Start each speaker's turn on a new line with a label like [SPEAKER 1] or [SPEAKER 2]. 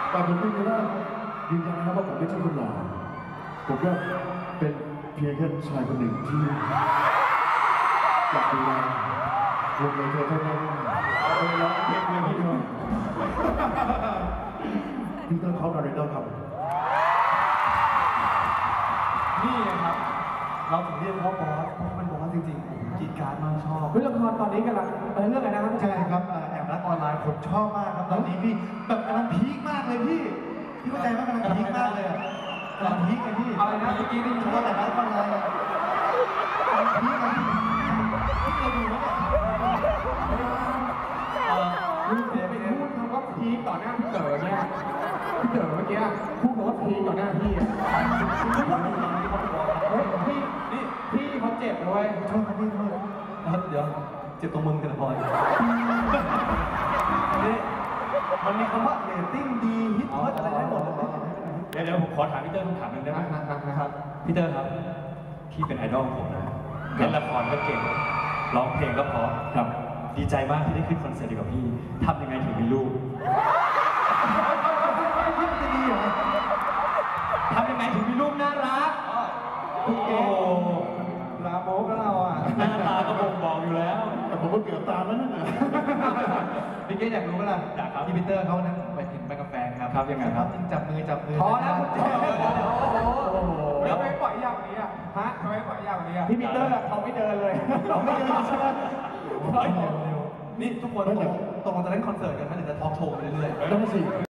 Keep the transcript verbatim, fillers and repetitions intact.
[SPEAKER 1] แต่ผมยืนยันว่ายืนยันนะครับว่าผมไม่ใช่คนหล่อผมก็เป็นเพียงแค่ชายคนหนึ่งที่อยากดูแลวงในเธอเท่านั้นเอาไปร้องเพลงเลยพี่น้องพี่ต้องเขาการเรนเดอร์ครับ
[SPEAKER 2] นี่นะครับเราถึงเรียกว่าบอสเพราะมันบอสจริงๆผมกรีดการ์ดมากชอบ
[SPEAKER 3] เฮ้ยละครตอนนี้กำลังเรื่องอะไรนะครับ
[SPEAKER 2] ใช่ครับแอบรักออนไลน์ผมชอบมากครับตอนนี้พี่แบบกำลังพีคมากเลยพี่พี่เข้าใจไหมกำลังพีคมากเลยอะกำลังพีคเลยพี่
[SPEAKER 3] อะไรนะเมื่อกี้ได้ยิน
[SPEAKER 2] ชอบแต่รักออนไลน์อะกำลังพีคเลยพี่พี่เคยดูไหมเนี่ยเออ
[SPEAKER 3] คุณเสียไปพูดคำว่าพีคต่อหน้าพี่เต๋อเนี่ยพี่เต๋อเมื่อกี้พูดคำว่าพีคต่อหน้าพี่อ่ะเฮ้ยพี่นี่พี่เขาเจ็บนะเว้ย
[SPEAKER 2] ชอบครับพี่ชอบเดี๋ยวเจ็บตรงมึงกันพอยนี่มันมีคำว่าเรตติ้งดีฮิตฮอตอะไรได้หมดเลย
[SPEAKER 4] เดี๋ยวเดี๋ยวผมขอถามพี่เตอร์คำถามหนึ่งได้ไหม
[SPEAKER 3] นะครับ
[SPEAKER 4] พี่เตอร์ครับพี่เป็นไอดอลของผมนะเล่นละครก็เก่งร้องเพลงก็เพราะครับดีใจมากที่ได้ขึ้นคอนเสิร์ตเดียวกับพี่ทำยังไงถึงมีลูกทำยังไงถึงมีลูกน่ารักโอ้โห
[SPEAKER 3] ลาโมกแล้วเราอ่ะ
[SPEAKER 4] หน้าตาก็บ่งบอกอยู่แล้ว
[SPEAKER 1] แต่ผมก็เกือบตามแล้วนั่นแหละ
[SPEAKER 2] พี่เกศอยากรู้ไหมล่ะ
[SPEAKER 4] อยากครับ
[SPEAKER 2] ที่พีเตอร์เขานั้นไปเห็นไปกับแฟนครับ
[SPEAKER 4] ครับยังไงครับ
[SPEAKER 2] จริงจับมือจับมือ
[SPEAKER 3] พอแล้วคุณเจมส์
[SPEAKER 2] โอ้โห
[SPEAKER 3] แล้วทำไมปล่อยยาวกว่านี้อ่ะฮะทำไมปล่อยยาวกว่านี้อ่ะพี่ปีเตอร์เขาไม่เดินเลย
[SPEAKER 2] เราไม่เดินใช่ไหมนี่ทุกคนตกลงตกลงจะเล่นคอนเสิร์ตกันไหมหรือจะทอล์กโชว์ไปเรื่อยๆ
[SPEAKER 1] นั่นสิ